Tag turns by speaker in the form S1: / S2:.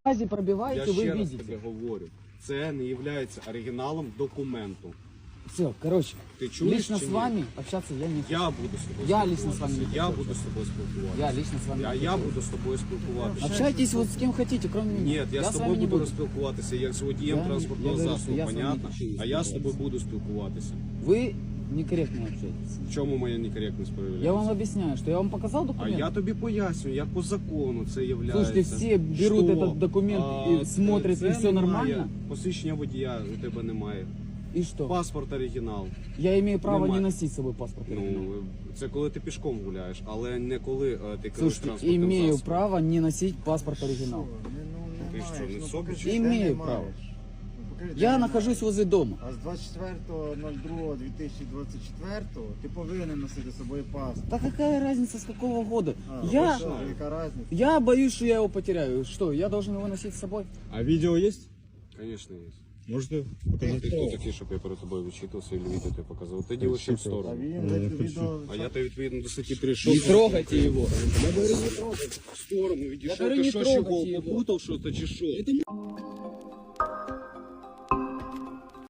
S1: пробиваете,
S2: Я
S1: вы
S2: ще раз
S1: видите.
S2: тобі говорю, це не є оригіналом документу.
S1: Все, короче,
S2: Ти чуєш
S1: лично
S2: чи
S1: с
S2: ні?
S1: вами общаться я не хочу.
S2: Я буду з тобою
S1: Я
S2: спілкуватися.
S1: лично з вами не
S2: Я
S1: хочу
S2: буду з тобою спілкуватися.
S1: Я лично с вами не
S2: Я
S1: хочу.
S2: буду з тобою спілкуватися.
S1: Общайтесь вот с кем хотите, кроме меня.
S2: Ні, я з
S1: с
S2: тобою
S1: вами не
S2: буду
S1: буду.
S2: спілкуватися як з водієм
S1: Я
S2: транспортного
S1: говорю, що
S2: засобу,
S1: я з вами
S2: понятно?
S1: не хочу
S2: А я з тобою
S1: спілкуватися.
S2: буду спілкуватися.
S1: Вы некорректно общаетесь.
S2: В чому моя некоректність проявляється?
S1: Я вам объясняю, что я вам показал
S2: А
S1: документ.
S2: я тобі пояснюю, як по закону це є.
S1: Слушайте, все берут
S2: Що?
S1: этот документ и смотрят,
S2: це
S1: и все
S2: немає.
S1: нормально.
S2: Посвідчення водія у тебе немає.
S1: И что?
S2: Паспорт оригінал.
S1: Я имею право
S2: Немає.
S1: не носить с собой паспорт.
S2: Ну, це коли ти пішком гуляєш, але не коли ти керуєш
S1: Слушайте,
S2: транспортним
S1: имею
S2: засобом.
S1: право не носить паспорт оригинал.
S2: Ти що, не собі?
S1: Имею право. Я нахожусь возле дома.
S3: А з 24.02.2024 ти повинен носити з собою паспорт.
S1: Да какая разница с какого года?
S3: А,
S1: Я,
S3: що, яка разниця?
S1: я боюсь, что я его потеряю. Что, я должен его носить с собой?
S4: А видео есть?
S2: Звісно, є.
S4: Можете
S2: Ти
S4: показать?
S2: хто такий, щоб я перед тобою вичитувався і відео тебе показував? Ти ділиш ще в
S3: А
S2: сторону.
S3: він відео...
S2: А я тебе відповідно до статті 36.
S1: Не трогайте его.
S2: Я говорю, не трогай. В сторону,
S1: Я
S2: відійшов.
S1: говорю,
S2: Ти
S1: не
S2: що,
S1: трогайте
S2: чого,
S1: його.
S2: попутав що-то чи що?